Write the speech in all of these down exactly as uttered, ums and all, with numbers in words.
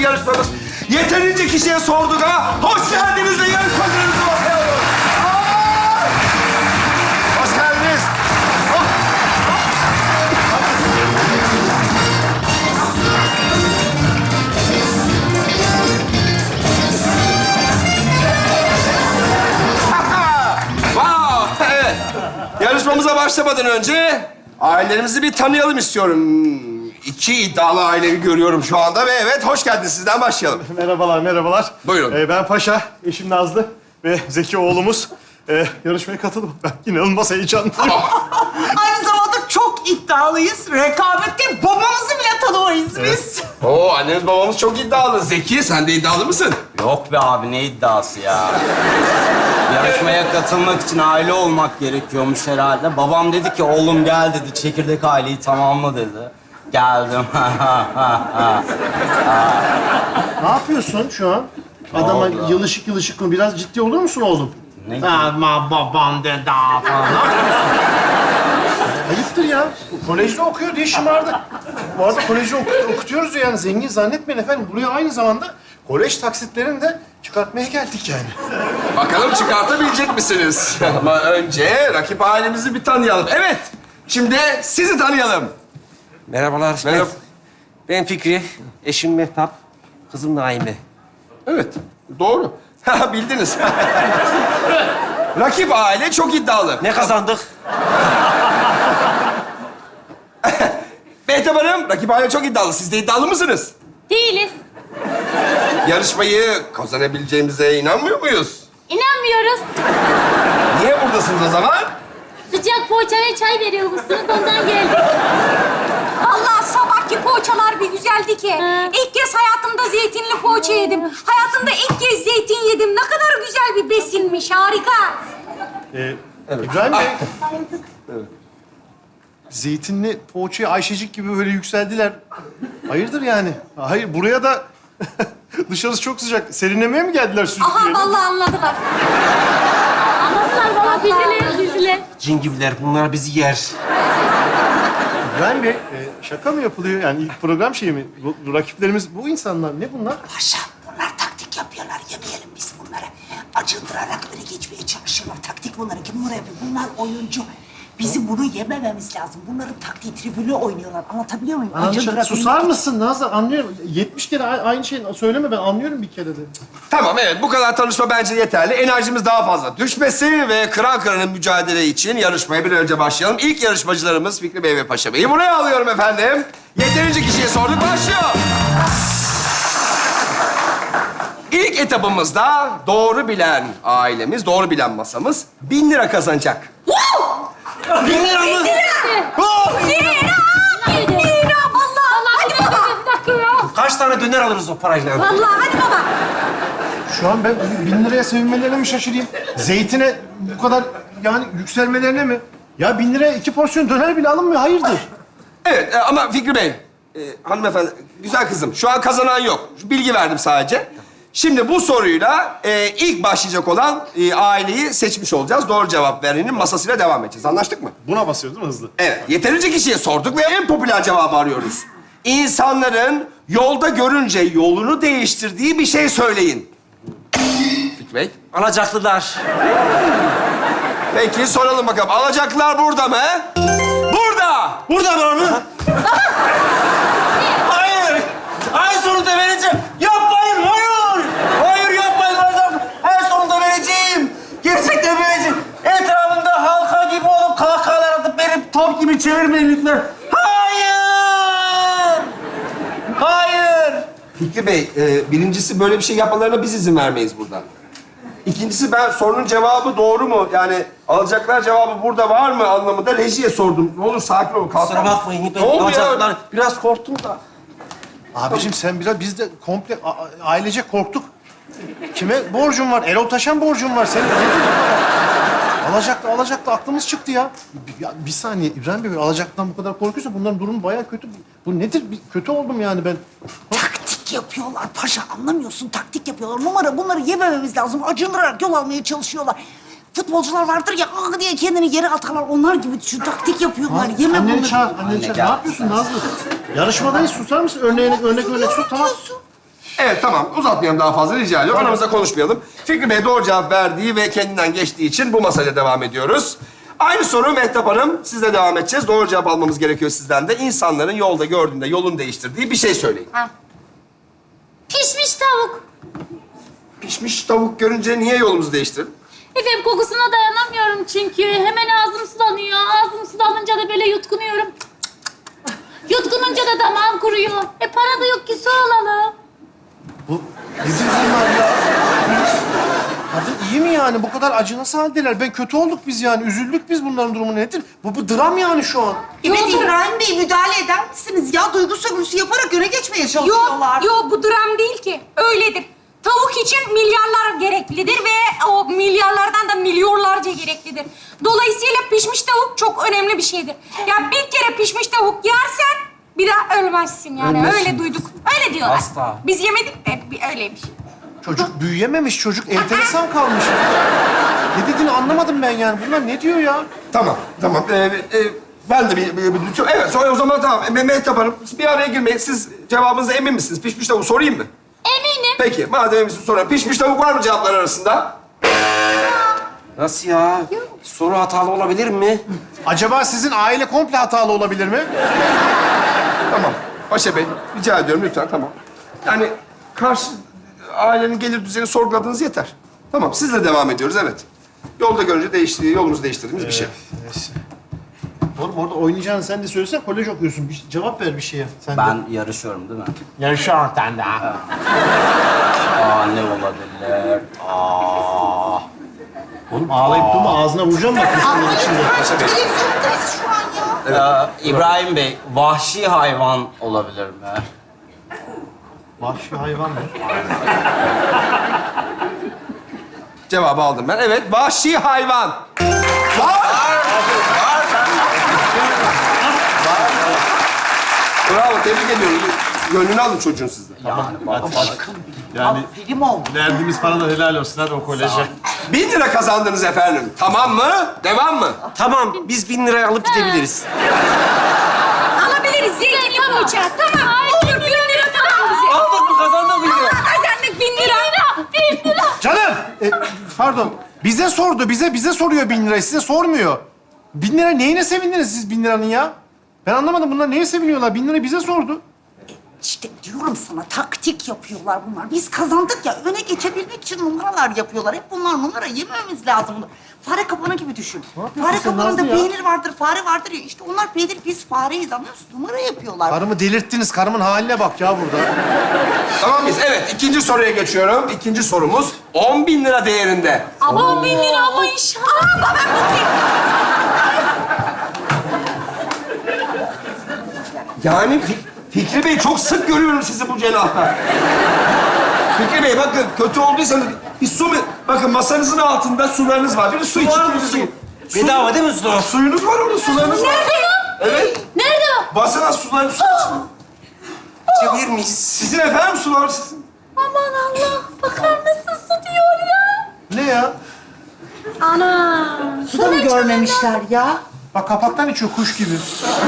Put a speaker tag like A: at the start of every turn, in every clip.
A: yarışmamız. Yeterince kişiye sorduk ama hoş geldiniz ve yarışmacılarınızı ortaya alıyoruz. Aa! Hoş geldiniz. Wow, evet. Yarışmamıza başlamadan önce ailelerimizi bir tanıyalım istiyorum. İki iddialı aileyi görüyorum şu anda ve evet, hoş geldiniz. Sizden başlayalım.
B: Merhabalar, merhabalar.
A: Buyurun.
B: Ee, ben Paşa, eşim Nazlı ve Zeki oğlumuz. Ee, yarışmaya katıldım. Ben inanılmaz heyecanlıyım.
C: Aynı zamanda çok iddialıyız. Rekabette babamızı bile tanımayız biz.
A: Oo, anneniz babamız çok iddialı. Zeki, sen de iddialı mısın?
D: Yok be abi, ne iddiası ya? Yarışmaya katılmak için aile olmak gerekiyormuş herhalde. Babam dedi ki, oğlum gel dedi, çekirdek aileyi tamamla dedi. Geldim.
B: Ne yapıyorsun şu an? Adama
D: oldu?
B: yılışık yılışık mı? Biraz ciddi olur musun oğlum?
D: Ne?
C: Ama babam dedi falan.
B: Ayıptır ya. Kolejde okuyor diye şımardı. Bu arada kolejde oku- okutuyoruz ya, yani zengin zannetmeyin efendim. Buraya aynı zamanda kolej taksitlerini de çıkartmaya geldik yani.
A: Bakalım çıkartabilecek misiniz? Ama önce rakip ailemizi bir tanıyalım. Evet, şimdi sizi tanıyalım.
E: Merhabalar.
A: Merhaba.
E: Ben, ben Fikri, eşim Mehtap, kızım Naime.
A: Evet, doğru. Bildiniz. Rakip aile çok iddialı.
E: Ne kazandık?
A: Mehtap Hanım, rakip aile çok iddialı. Siz de iddialı mısınız?
F: Değiliz.
A: Yarışmayı kazanabileceğimize inanmıyor muyuz?
F: İnanmıyoruz.
A: Niye buradasınız o zaman?
F: Sıcak poğaça ve çay veriyormuşsunuz, ondan geldik.
G: Vallahi sabahki poğaçalar bir güzeldi ki.
F: Hı.
G: İlk kez hayatımda zeytinli poğaça yedim. Hayatımda ilk kez zeytin yedim. Ne kadar güzel bir besinmiş, harika.
B: Ee, İbrahim Bey. Zeytinli poğaçaya Ayşecik gibi böyle yükseldiler. Hayırdır yani? Hayır, buraya da dışarısı çok sıcak. Serinlemeye mi geldiler süzüp
G: Aha
B: diyelim?
G: vallahi anladılar.
F: Anlattılar bana, bildiler, bildiler.
E: Cin gibiler, bunlar bizi yer.
B: İbrahim Bey, e, şaka mı yapılıyor? Yani ilk program şeyi mi? Bu, bu rakiplerimiz bu insanlar. Ne bunlar?
C: Paşa, bunlar taktik yapıyorlar. Yemeyelim biz bunları. Acındırarak öne geçmeye çalışıyorlar. Taktik bunları. Kim bunları yapıyor? Bunlar oyuncu. Bizim bunu yemememiz lazım. Bunların taktiği tribünü oynuyorlar. Anlatabiliyor muyum?
B: Anladım.
C: Acındırarak
B: Susar
C: önüne-
B: mısın Nazlı? Anlıyorum. yetmiş kere a- aynı şeyi söyleme, ben anlıyorum bir kere de.
A: Tamam, evet. Bu kadar tanışma bence yeterli. Enerjimiz daha fazla düşmesi ve kıran kıranın mücadele için yarışmaya bir an önce başlayalım. İlk yarışmacılarımız Fikri Bey ve Paşa Bey'i buraya alıyorum efendim. Yeterince kişiye sorduk, başlıyor. İlk etapımızda doğru bilen ailemiz, doğru bilen masamız bin lira kazanacak.
B: Bin lira mı?
G: Lira vallahi. Hadi baba.
F: Bir dakika ya.
E: Kaç tane döner alırız o parayla?
G: Vallahi hadi baba.
B: Şu an ben bin liraya sevinmelerine mi şaşırayım? Zeytine bu kadar yani yükselmelerine mi? Ya bin liraya iki porsiyon döner bile alınmıyor. Hayırdır?
A: Evet e, ama Fikri Bey, e, hanımefendi, güzel kızım. Şu an kazanan yok. Şu bilgi verdim sadece. Şimdi bu soruyla e, ilk başlayacak olan e, aileyi seçmiş olacağız. Doğru cevap verenin masasıyla devam edeceğiz. Anlaştık mı?
B: Buna basıyor değil mi hızlı?
A: Evet. Yeterince kişiye sorduk ve en popüler cevabı arıyoruz. İnsanların yolda görünce yolunu değiştirdiği bir şey söyleyin. Fikri Bey.
E: Alacaklılar.
A: Peki soralım bakalım. Alacaklılar burada mı? Burada!
E: Burada var mı? Hayır! Ay sonunda vereceğim. Yapmayın, hayır! Hayır yapmayın hocam. Ay sonunda vereceğim. Gerçekten vereceğim. Etrafımda halka gibi olup kahkahalar atıp beni top gibi çevirmeyin lütfen. Hayır! Hayır!
A: Fikri Bey, e, birincisi böyle bir şey yapmalarına biz izin vermeyiz burada. İkincisi ben sorunun cevabı doğru mu? Yani alacaklar cevabı burada var mı anlamında rejiye sordum. Ne olur sakin olun. kalkın.
E: Kusura bakmayın. Ben
A: Ne oldu ya?
E: alacaklılar. Biraz korktum da.
B: Abiciğim sen biraz, biz de komple a- a- ailece korktuk. Kime borcun var? Erol Taşan borcun var. Senin nedir bu kadar? Alacaklı, alacaklı aklımız çıktı ya. Bir, ya. bir saniye İbrahim Bey, alacaktan bu kadar korkuyorsa bunların durumu bayağı kötü. Bu nedir? Bir, kötü oldum yani ben.
C: Taktik yapıyorlar paşa. Anlamıyorsun. Taktik yapıyorlar. Numara bunları yemememiz lazım. Acındırarak yol almaya çalışıyorlar. Futbolcular vardır ya, ah diye kendini yere atarlar. Onlar gibi şu taktik yapıyorlar. Yeme
B: Anneni
C: bunları.
B: çağır, anneni çağır. Ne yapıyorsun Nazlı? Yarışmadayız, susar mısın? Örneğin, örnek örnek sus, tamam.
A: Evet tamam uzatmayalım daha fazla rica ediyorum. Aramızda konuşmayalım. Fikri Bey doğru cevap verdiği ve kendinden geçtiği için bu masayla devam ediyoruz. Aynı soru Mehtap Hanım. Sizle devam edeceğiz. Doğru cevap almamız gerekiyor sizden de. İnsanların yolda gördüğünde yolunu değiştirdiği bir şey söyleyin.
F: Ha. Pişmiş tavuk.
A: Pişmiş tavuk görünce niye yolumuzu değiştirdin?
F: Efendim kokusuna dayanamıyorum çünkü. Hemen ağzım sulanıyor. Ağzım sulanınca da böyle yutkunuyorum. Yutkununca da damağım kuruyor. E para da yok ki su alalım.
B: Bu nedir bunlar ya? Kadın iyi mi yani? Bu kadar acı nasıl haldeler? Ben kötü olduk biz yani. Üzüldük biz bunların durumu nedir? Bu, bu dram yani şu an.
C: Evet İbrahim Bey müdahale eder misiniz? Ya duygu sömürüsü yaparak öne geçmeye
G: Yok,
C: çalışıyorlar.
G: yok bu dram değil ki. Öyledir. Tavuk için milyarlar gereklidir ve o milyarlardan da milyonlarca gereklidir. Dolayısıyla pişmiş tavuk çok önemli bir şeydir. Ya bir kere pişmiş tavuk yersen bir daha ölmezsin yani.
B: Ölmezsin.
G: Öyle duyduk. Öyle diyorlar.
D: Asla.
G: Biz yemedik de bir öyleymiş.
B: Çocuk büyüyememiş, çocuk enteresan kalmış. Ne dediğini anlamadım ben yani. Bunlar ne diyor ya?
A: Tamam, tamam. Ee, e, ben de bir, bir, bir, bir- Evet, sonra o zaman tamam. Me- Mehtap Hanım, siz bir araya girmeyin. Siz cevabınıza emin misiniz? Pişmiş tavuk sorayım mı?
F: Eminim.
A: Peki, madem eminsin sorayım. Pişmiş tavuk var mı cevaplar arasında?
E: Nasıl ya? Soru hatalı olabilir mi?
B: Acaba sizin aile komple hatalı olabilir mi?
A: Tamam. Paşa Bey, rica ediyorum lütfen, tamam. Yani karşı ailenin gelir düzeyini sorguladığınız yeter. Tamam, sizle devam ediyoruz, evet. Yolda görünce değişti, yolumuzu değiştirdiğimiz bir şey.
B: Neyse. Oğlum orada oynayacağını sen de söylesene. Kolej okuyorsun. Bir cevap ver bir şeye. Sen de.
D: Ben yarışıyorum değil mi?
B: Yarışan sen de.
D: Aa ne olabilir? Aa.
B: Oğlum ağlayıp durma. Ağzına vuracağım bak. kızın içinde.
C: Televizyondayız şu an ya.
D: Ee, İbrahim Bey, vahşi hayvan olabilir mi?
B: Vahşi hayvan mı?
A: Cevabı aldım ben. Evet, vahşi hayvan. Bravo, tebrik ediyorum. Gönlünü alın çocuğun sizden.
D: Yani bak,
B: Yani
C: Benim oldu.
B: verdiğimiz para da helal olsun. Hadi o koleje.
A: Bin lira kazandınız efendim. Tamam mı? Devam mı?
E: Tamam, biz bin liraya alıp gidebiliriz.
G: Alabiliriz zeytinli poğaça. Tamam. Olur bin lira tamam bize.
E: Aldık mı, kazandık bin lira.
G: Kazandık bin lira.
F: Bir lira.
B: Canım! E, pardon. Bize sordu. Bize bize soruyor bin lirayı. Size sormuyor. Bin lira neyine sevindiniz siz bin liranın ya? Ben anlamadım. Bunlar neye seviniyorlar? Bin lira bize sordu.
C: İşte diyorum sana taktik yapıyorlar bunlar. Biz kazandık ya öne geçebilmek için numaralar yapıyorlar. Hep bunlar numara yememiz lazım. Fare kapanı gibi düşün.
B: yapıyorsun
C: Fare
B: sen
C: kapanında
B: Nazlı ya?
C: peynir vardır, fare vardır ya. İşte onlar peynir, biz fareyiz anlıyorsun. Numara yapıyorlar.
B: Karımı delirttiniz. Karımın haline bak ya burada.
A: Tamam mıyız? Evet, ikinci soruya geçiyorum. İkinci sorumuz on bin lira değerinde.
F: Ama bin lira ama inşallah.
G: Aa, ben bakayım.
A: Yani Fik- Fikri Bey çok sık görüyorum sizi bu cenahta. Fikri Bey bakın kötü olduysanız bir su mu? Bakın masanızın altında sularınız var. Bir su için.
E: Var mı su? Bedava değil mi su?
A: Suyunuz var orada, sularınız var.
F: Nerede o?
A: Evet.
F: Nerede o?
A: Basına sularınız su için.
E: İçebilir miyiz?
A: Sizin efendim sular sizin.
F: Aman Allah. Bakar mısın su diyor ya.
B: Ne ya?
F: Ana.
C: Su da mı görmemişler ya?
B: Bak kapaktan içiyor kuş gibi.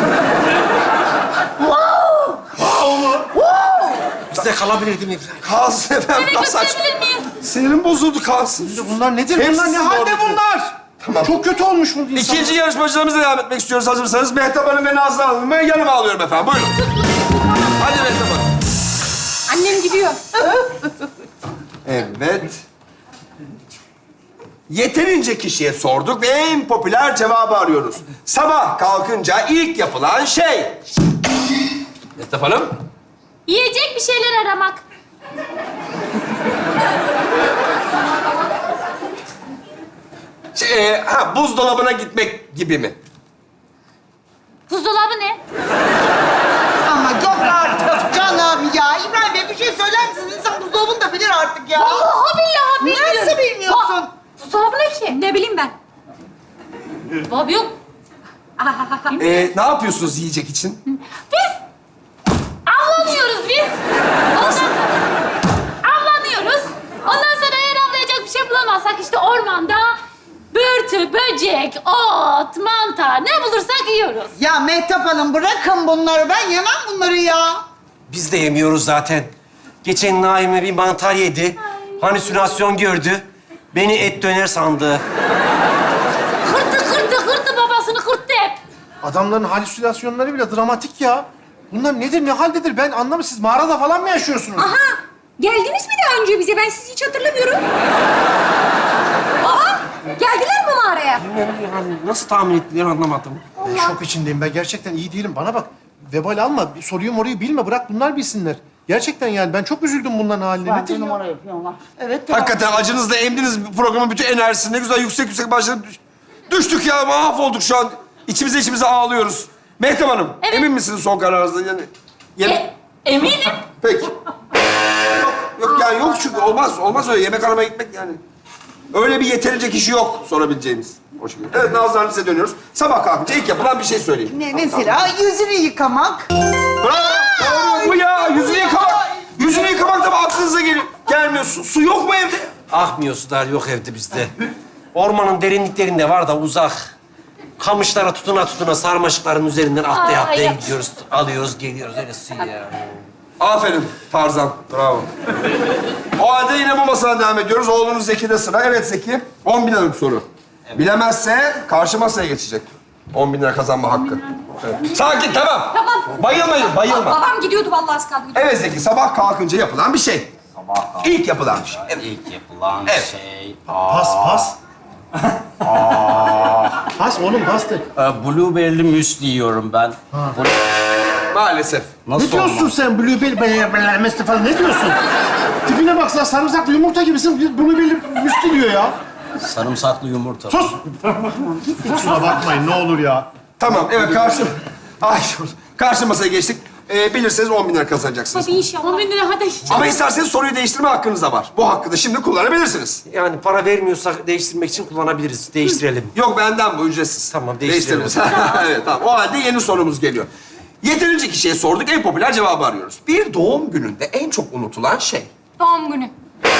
E: Bizde kalabilir değil mi İbrahim?
A: Kalsın efendim.
F: Eve
A: Nasıl aç?
F: götürebilir miyiz?
A: Sinirim bozuldu kalsın.
B: Bunlar nedir?
A: Hepsi
B: bunlar ne
A: sizin
B: halde
A: oradaki.
B: bunlar?
A: Tamam.
B: Çok kötü olmuş bu insan.
A: İkinci yarışmacılarımızla devam etmek istiyoruz hazırsanız. Mehtap Hanım ve Nazlı Hanım'ı yanıma alıyorum efendim. Buyurun. Hadi Mehtap Hanım.
G: Annem gidiyor.
A: Evet. Yeterince kişiye sorduk ve en popüler cevabı arıyoruz. Sabah kalkınca ilk yapılan şey. Mehtap Hanım.
F: Yiyecek bir şeyler aramak.
A: Şey, e, ha, buzdolabına gitmek gibi mi?
F: Buzdolabı ne?
C: Ama yok artık canım ya. İbrahim Bey bir şey söyler misiniz? İnsan buzdolabını da bilir artık ya.
F: Vallahi billahi bilmiyorum.
C: Nasıl bilmiyorsun?
F: Va- Buzdolabı ne ki?
G: Ne bileyim ben.
F: Bab yok.
A: E, ne yapıyorsunuz yiyecek için?
F: Biz avlanıyoruz biz. Ondan sonra avlanıyoruz. Ondan sonra eğer avlayacak bir şey bulamazsak işte ormanda börtü, böcek, ot, mantar ne bulursak yiyoruz.
C: Ya Mehtap Hanım bırakın bunları. Ben yemem bunları ya.
E: Biz de yemiyoruz zaten. Geçen Naime bir mantar yedi. Halüsinasyon gördü. Beni et döner sandı.
F: Kırdı, kırdı, kırdı babasını kırttı hep.
B: Adamların halüsinasyonları bile dramatik ya. Bunlar nedir, ne haldedir? Ben anlamadım. Siz mağarada falan mı yaşıyorsunuz?
G: Aha! Geldiniz mi daha önce bize? Ben sizi hiç hatırlamıyorum. Aa! Geldiler mi mağaraya?
E: Yani nasıl tahmin ettiler anlamadım.
B: Ben şok içindeyim. Ben gerçekten iyi değilim. Bana bak. Vebal alma. Soruyu moruyu bilme. Bırak bunlar bilsinler. Gerçekten yani ben çok üzüldüm bunların haline. Nedir ya?
C: Numara yapıyorlar. Evet. devam.
A: Hakikaten acınızla emdiniz programın bütün enerjisini. Ne güzel yüksek yüksek başladı. Düştük ya, mahvolduk şu an. İçimize içimize ağlıyoruz. Mehtap Hanım,
F: Evet.
A: emin misiniz son kararınızda? Yani, yeme-
F: E, eminim.
A: Peki. Yok, yok yani yok çünkü olmaz. Olmaz öyle yemek aramaya gitmek yani. Öyle bir yeterince kişi yok sorabileceğimiz. Hoş geldin. Evet Nazlı Hanım, size dönüyoruz. Sabah kalkınca ilk yapılan bir şey söyleyin.
C: Ne mesela yüzünü yıkamak.
A: Bravo. Doğru bu ya. Yüzünü yıkamak. Yüzünü yıkamak da mı aklınıza geliyor? Gelmiyor. Su, su yok mu evde?
E: Akmıyor sular yok evde bizde. Ormanın derinliklerinde var da uzak. Kamışlara tutuna tutuna sarmaşıkların üzerinden atlaya
F: Ay,
E: atlaya
F: ay.
E: gidiyoruz. Alıyoruz, geliyoruz. Öyle su ya.
A: Aferin Tarzan. Bravo. O halde yine bu masadan devam ediyoruz. Oğlunuz Zeki'de sıra. Evet Zeki. on bin liralık soru. Bilemezse karşı masaya geçecek. on bin lira kazanma hakkı. Evet. Sakin, tamam.
G: Tamam.
A: Bayılmayın, bayılma.
G: Babam gidiyordu vallahi az kaldı.
A: Evet Zeki, sabah kalkınca yapılan bir şey.
D: Sabah kalk.
A: İlk yapılan bir şey. Evet.
D: İlk yapılan
A: Evet.
D: şey...
B: Pas, pas. Pas oğlum, pas de.
D: Ee, blueberry'li müsli yiyorum ben. Bu-
A: Maalesef.
D: Nasıl
B: Ne diyorsun
D: olmaz?
B: sen? Blueberry, belemesi falan ne diyorsun? Tipine baksana, sarımsaklı yumurta gibisin. Blueberry müstü diyor ya.
D: Sarımsaklı yumurta.
B: Sus! Kusura bakmayın, ne olur ya.
A: Tamam, evet karşı... Ay, karşı masaya geçtik. Ee, bilirseniz on bin lira kazanacaksınız.
G: Hadi inşallah.
F: On bin lira hadi.
A: Ama isterseniz soruyu değiştirme hakkınız da var. Bu hakkı da şimdi kullanabilirsiniz.
E: Yani para vermiyorsak değiştirmek için kullanabiliriz. Değiştirelim.
A: Yok benden bu, ücretsiz.
E: Tamam, değiştirelim.
A: Değiştiririz. Evet, tamam. O halde yeni sorumuz geliyor. Yeterince kişiye sorduk, en popüler cevabı arıyoruz. Bir doğum gününde en çok unutulan şey.
G: Doğum günü.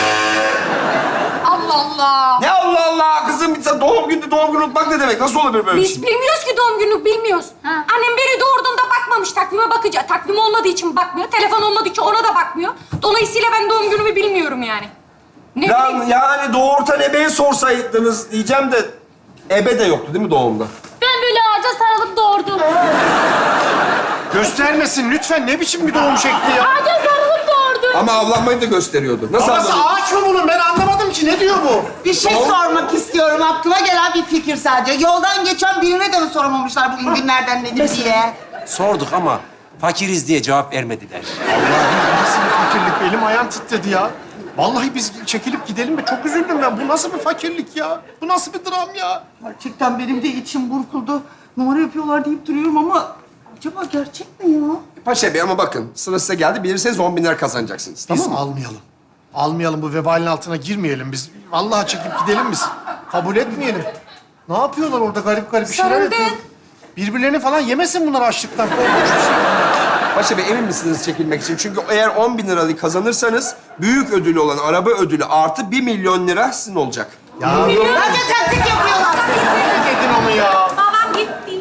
G: Allah Allah.
A: Ne Allah Allah kızım, sen doğum günü doğum günü unutmak ne demek? Nasıl olabilir böyle bir
G: Biz
A: şey?
G: bilmiyoruz ki doğum gününü bilmiyoruz.
F: Ha.
G: Annem beni doğurduğunda bakmamış takvime bakınca. Takvim olmadığı için bakmıyor. Telefon olmadığı için ona da bakmıyor. Dolayısıyla ben doğum günümü bilmiyorum yani. Ne
A: Ya,
G: bileyim.
A: yani doğurtan ebeye sorsaydınız diyeceğim de ebe de yoktu değil mi doğumda?
F: Ben böyle ağaca sarılıp doğurdum.
B: Göstermesin lütfen. Ne biçim bir doğum şekli ya?
F: Ağaca sarılıp doğurdum.
A: Ama avlanmayı da gösteriyordu. Nasıl
B: Babası
A: anladın?
B: ağaç mı bunun? Ben anlamadım ki. Ne diyor bu?
C: Bir şey sormak istiyorum. Aklıma gelen bir fikir sadece. Yoldan geçen birine de mi sormamışlar bugün günlerden nedir diye?
E: Sorduk ama fakiriz diye cevap vermediler.
B: Allah'ım nasıl bir fakirlik? Elim ayağım titredi ya. Vallahi biz çekilip gidelim mi? Çok üzüldüm ben. Bu nasıl bir fakirlik ya? Bu nasıl bir dram ya?
C: Gerçekten benim de içim burkuldu. Numara yapıyorlar deyip duruyorum ama acaba gerçek mi ya?
A: Paşa Bey ama bakın sıra size geldi. Bilirseniz on bin lira kazanacaksınız.
B: Biz
A: Tamam mı?
B: almayalım. Almayalım, bu vebalin altına girmeyelim biz. Vallahi çekip gidelim biz. Kabul etmeyelim. Ne yapıyorlar orada garip garip bir şeyler
G: Sarıldı.
B: yapıyor. Birbirlerini falan yemesin bunlar açlıktan. Korkunç bir şey.
A: Paşa Bey emin misiniz çekilmek için? Çünkü eğer on bin lirayı kazanırsanız büyük ödülü olan araba ödülü artı bir milyon lira sizin olacak.
B: Ya
C: Bence taktik yapıyorlar.
B: ne dedin onu ya?
G: Babam gitti.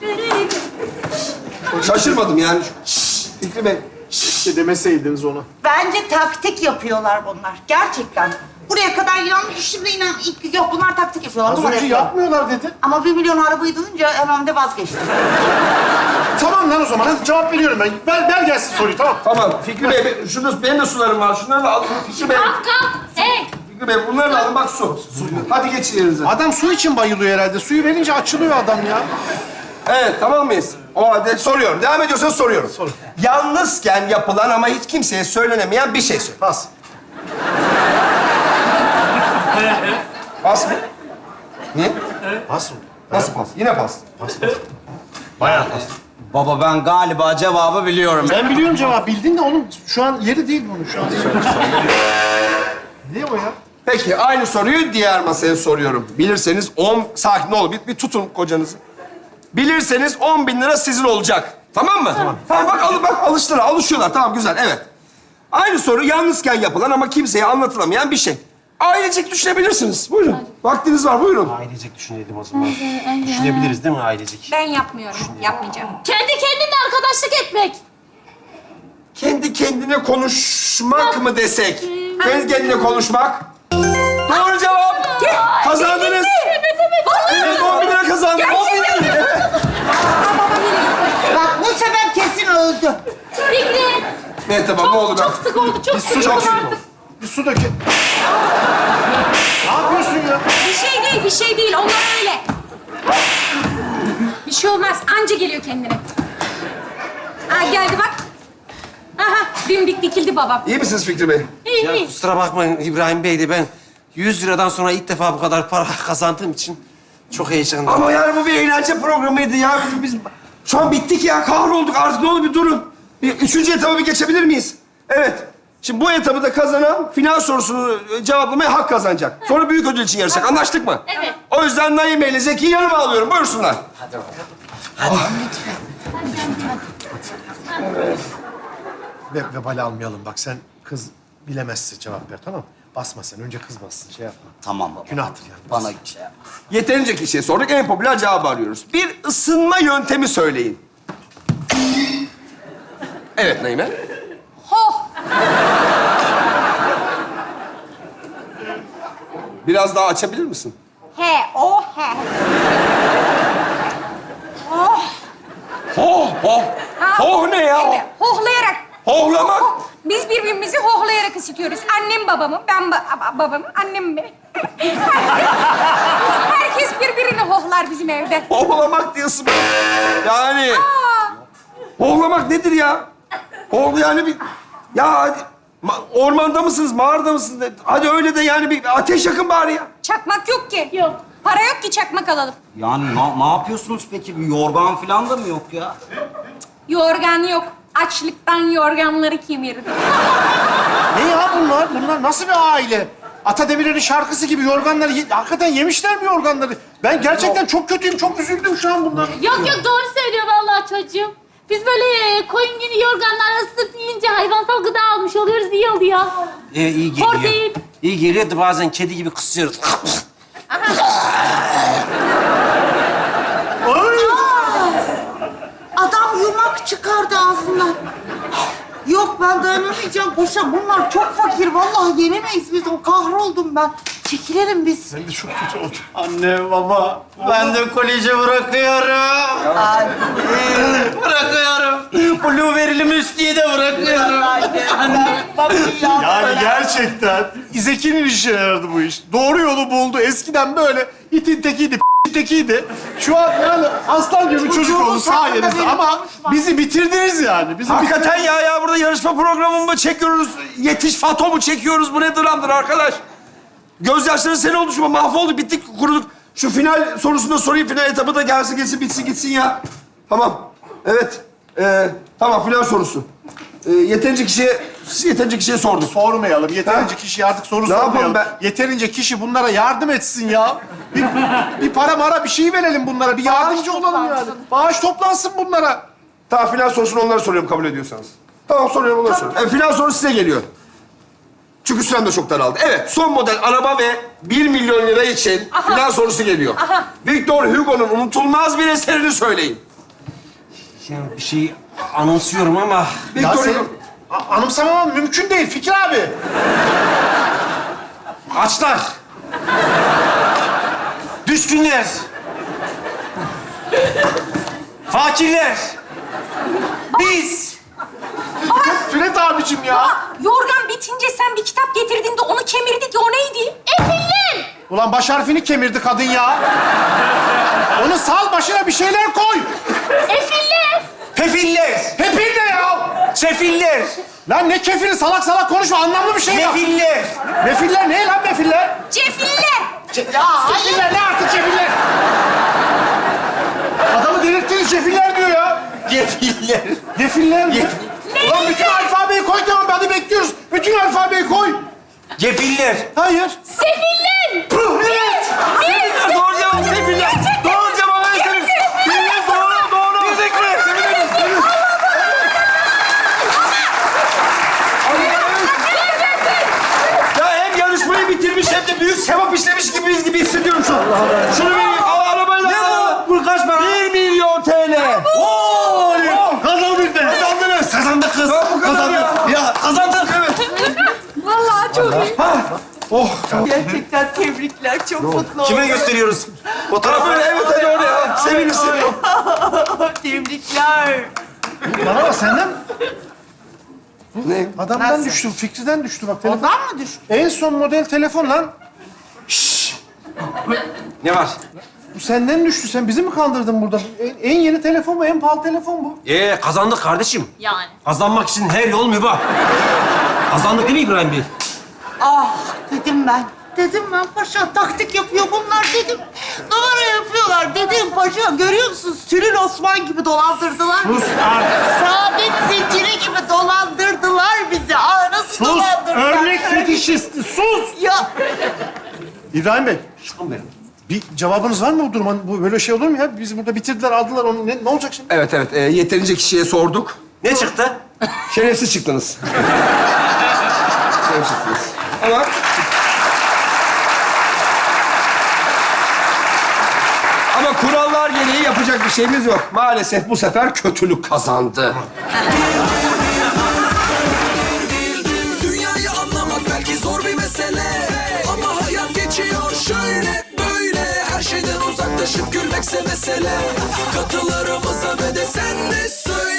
A: Şaşırmadım yani. Fikri Bey.
B: İşte demeseydiniz onu.
C: Bence taktik yapıyorlar bunlar. Gerçekten. Buraya kadar yanlış. Şimdi inan ilk yok bunlar taktik yapıyorlar.
B: Az
C: numara
B: önce
C: yapıyorlar.
B: yapmıyorlar dedi.
C: Ama bir milyon arabayı duyunca hemen de vazgeçtim.
B: Tamam lan o zaman. Hadi cevap veriyorum ben. Ver, ver gelsin soruyu tamam.
A: Tamam Fikri Bey, be- şunu, benim de sularım var. Şunları da alın. Fikri Bey,
F: Kalk kalk. Hey.
A: Fikri Bey bunları da alın. Bak su. su. Hadi geçin yerinize.
B: Adam su için bayılıyor herhalde. Suyu verince açılıyor adam ya.
A: Evet, tamam mıyız? O halde soruyorum. Devam ediyorsanız soruyorum.
B: Sor.
A: Yalnızken yapılan ama hiç kimseye söylenemeyen bir şey söyle.
B: Pas.
A: Pas mı? Niye?
B: Pas mı?
A: Nasıl pas? Yine pas.
B: Bayağı pas.
D: Baba ben galiba cevabı biliyorum.
B: Ben biliyorum cevap. Bildin de onun şu an yeri değil bunun. Şu an ne o ya?
A: Peki, aynı soruyu diğer masaya soruyorum. Bilirseniz on... Sakin ol, bir, bir tutun kocanızı. Bilirseniz on bin lira sizin olacak. Tamam mı? Tamam. Tamam, bak, al, bak alıştılar, alışıyorlar. Tamam, güzel, evet. Aynı soru yalnızken yapılan ama kimseye anlatılamayan bir şey. Ailecek düşünebilirsiniz. Buyurun. Vaktiniz var, buyurun.
E: Ailecek düşünelim o zaman. Düşünebiliriz değil mi ailecek?
G: Ben yapmıyorum. Yapmayacağım.
F: Kendi kendine arkadaşlık etmek.
A: kendi kendine konuşmak mı desek? Kendi kendine konuşmak. Doğru cevap. Kazandınız.
F: Evet, evet.
A: Evet, on bin lira kazandın. on bin lira.
C: Bak bu sefer kesin öldü.
F: Fikri.
A: Evet tamam, ne oldu ben?
F: Çok sık oldu, çok
B: Bir
F: sık
B: su
F: oldu
B: dökün.
F: artık.
B: Bir su dökün. Ne yapıyorsun ya?
G: Bir şey değil, bir şey değil. Onlar öyle. Bir şey olmaz. Anca geliyor kendine. Ha geldi bak. Aha, dimdik dikildi babam.
A: İyi misiniz Fikri Bey?
F: İyi,
H: Ya
F: iyi.
H: kusura bakmayın İbrahim Bey de ben yüz liradan sonra ilk defa bu kadar para kazandığım için çok heyecanlıyım.
A: Ama yani bu bir eğlence programıydı ya. Biz şu an bittik ya, kahrolduk. Artık ne olur bir durun. Bir üçüncü etaba bir geçebilir miyiz? Evet. Şimdi bu etabı da kazanan final sorusunu cevaplamaya hak kazanacak. Sonra büyük ödül için yarışacak. Anlaştık mı?
F: Evet.
A: O yüzden Naime ile Zeki'yi yanıma alıyorum. Buyursunlar.
B: Ve vebali almayalım. Bak sen kız bilemezse cevap ver, tamam mı? Basma sen. Önce kız bassın. Şey yapma.
D: Tamam baba.
B: Günahtır yani.
D: Bana şey yap.
A: Yeterince kişiye sorduk. En popüler cevabı arıyoruz. Bir ısınma yöntemi söyleyin. Evet Naime.
G: Ho!
A: Biraz daha açabilir misin?
G: He, o he. Oh!
A: Ho, ho.
G: Ha,
A: Ho ne ya?
G: Evet, hohlayarak.
A: Hohlamak.
G: Biz birbirimizi hohlayarak ısıtıyoruz. Annem babamı, ben ba- ba- babamı, annem beni. Herkes birbirini hohlar bizim evde.
A: Hohlamak diyorsun. Yani. Hohlamak nedir ya? Hohl yani bir... Ya hadi... ma- ormanda mısınız, mağarada mısınız? Hadi öyle de yani bir ateş yakın bari ya.
G: Çakmak yok ki.
F: Yok.
G: Para yok ki çakmak alalım.
D: Yani ne, ne yapıyorsunuz peki? Bir yorgan falan da mı yok ya?
G: Yorgan yok. Açlıktan yorganları kemirdi.
B: Ne ya bunlar? Bunlar nasıl bir aile? Ata Demirer'in şarkısı gibi yorganları... Ye- hakikaten yemişler mi yorganları? Ben gerçekten çok kötüyüm. Çok üzüldüm şu an bundan.
F: Yok yok, doğru söylüyor vallahi çocuğum. Biz böyle koyun gibi yorganlar ısıtıp yiyince hayvansal gıda almış oluyoruz, iyi oluyor.
H: Ee, iyi geliyor.
F: Protein.
H: İyi geliyor da bazen kedi gibi kısıyoruz.
C: Adam yumak çıkardı ağzından. Yok ben dayanamayacağım paşa. Bunlar çok fakir. Vallahi yenemeyiz biz. O kahroldum ben. Çekilelim biz.
B: Ben de çok kötü oldum.
E: Anne, baba, ben de koleji bırakıyorum. Bırakıyorum. Blueberry'li müstiği de bırakıyorum. Anne,
B: Yani gerçekten Zeki'nin işine yaradı bu iş. Doğru yolu buldu. Eskiden böyle itin tekiydi, p***in tekiydi. Şu an yani aslan gibi çocuk oldu sayenizde ama bizi bitirdiniz yani. Bizi
A: Hakikaten ya ya burada yarışma programı mı çekiyoruz? Yetiş Fato mu çekiyoruz? Bu ne dramdır arkadaş? Gözyaşları seni oluşma. Mahvolduk, bittik, kuruduk. Şu final sorusunu da sorayım. Final etabı da gelsin, geçsin, bitsin, gitsin ya. Tamam. Evet. Ee, tamam, final sorusu. Ee, yeterince kişiye, yeterince kişiye sorduk.
B: sormayalım. Yeterince kişi artık soru
A: Ne yapalım
B: sormayalım.
A: ben?
B: Yeterince kişi bunlara yardım etsin ya. Bir, bir para mara bir şey verelim bunlara. Bir yardımcı olalım yani. Bağış toplansın bunlara.
A: Tamam, final sorusunu onlara soruyorum kabul ediyorsanız. Tamam, soruyorum, onlara soruyorum. Evet, final sorusu size geliyor. Çünkü sürem de çok daraldı. Evet, son model araba ve bir milyon lira için final sorusu geliyor. Victor Hugo'nun unutulmaz bir eserini söyleyin.
H: Yani bir şey anımsıyorum ama...
B: Ya
A: Victor
B: senin
A: Hugo.
B: a- anımsamamam mümkün değil Fikri abi.
H: Açlar. Düşkünler. Fakirler. Biz.
B: Füret abicim ya.
G: Aa, yorgan bitince sen bir kitap getirdin de onu kemirdik ya, o neydi? Efiller!
B: Ulan baş harfini kemirdi kadın ya. Onu sal, başına bir şeyler koy.
F: Efiller!
H: Pefiller.
B: Hepin ne ya?
H: Sefiller.
B: Lan ne kefili, salak salak konuşma. Anlamlı bir şey yap.
H: Nefiller.
B: Mefiller ne lan mefiller?
G: Cefiller!
B: Ce- ya hayırlar ne artık cefiller? Adamı delirttiniz, cefiller diyor ya.
H: Gefiller.
B: Gefiller mi? Ulan bütün alfabeyi koy, tamam hadi bekliyoruz. Bütün alfabeyi koy.
H: Gefiller.
B: Hayır.
F: Sefiller!
B: Evet.
A: Sefiller, doğru cevap Sefiller. Doğru cevap evet Sefiller. Sefiller doğru, doğru. Bildik mi? Sefiller. Ya hem yarışmayı bitirmiş hem de büyük sevap işlemiş gibiyiz gibi hissediyorum şu an. Şunu bir al arabayla. Ne bu? Bu kaç para? Bir milyon T L. Oo!
B: Kazandık be.
A: Kazandınız.
H: Kazandık kız.
A: Ben bu kadar ya. Oh.
C: Gerçekten tebrikler. Çok mutlu
H: Kime
C: oldum.
H: gösteriyoruz?
A: Tamam
H: Fotoğraf
A: böyle evet hadi oraya. Sevinir sevinir.
C: Tebrikler.
B: Bana bak senden
A: Ne?
B: adamdan
C: Nasıl?
B: düştü, Fikri'den düştü bak. Telefon.
C: Ondan mı düştü?
B: En son model telefon lan.
H: Ne var?
B: Bu senden düştü. Sen bizi mi kandırdın burada? En, en yeni telefon bu, en pahalı telefon bu.
H: Ee kazandık kardeşim.
F: Yani.
H: Kazanmak için her yol mübah. Kazandık değil mi İbrahim Bey?
C: Ah dedim ben. Dedim ben paşa taktik yapıyor bunlar dedim. Numara yapıyorlar dedim paşa. Görüyor musun? Sülün Osman gibi dolandırdılar.
B: Sus artık.
C: Saadet zinciri gibi dolandırdılar bizi. Aa nasıl
B: Sus.
C: dolandırdılar?
B: Örnek fetişisti. Sus.
C: Ya
B: İbrahim Bey,
H: Çıkın benim.
B: bir cevabınız var mı bu duruma? Bu böyle şey olur mu ya? Bizi burada bitirdiler, aldılar onu. Ne, ne olacak şimdi?
A: Evet evet e, yeterince kişiye sorduk.
H: Ne çıktı?
A: Şerefsiz çıktınız. Şerefsiz çıktınız. Ama... Ama kurallar gereği yapacak bir şeyimiz yok. Maalesef bu sefer kötülük kazandı.
I: Dünyayı anlamak belki zor bir mesele, ama hayat geçiyor şöyle böyle. Her şeyden uzaklaşıp gülmekse mesele. Katılarımıza ve de sen de söyle.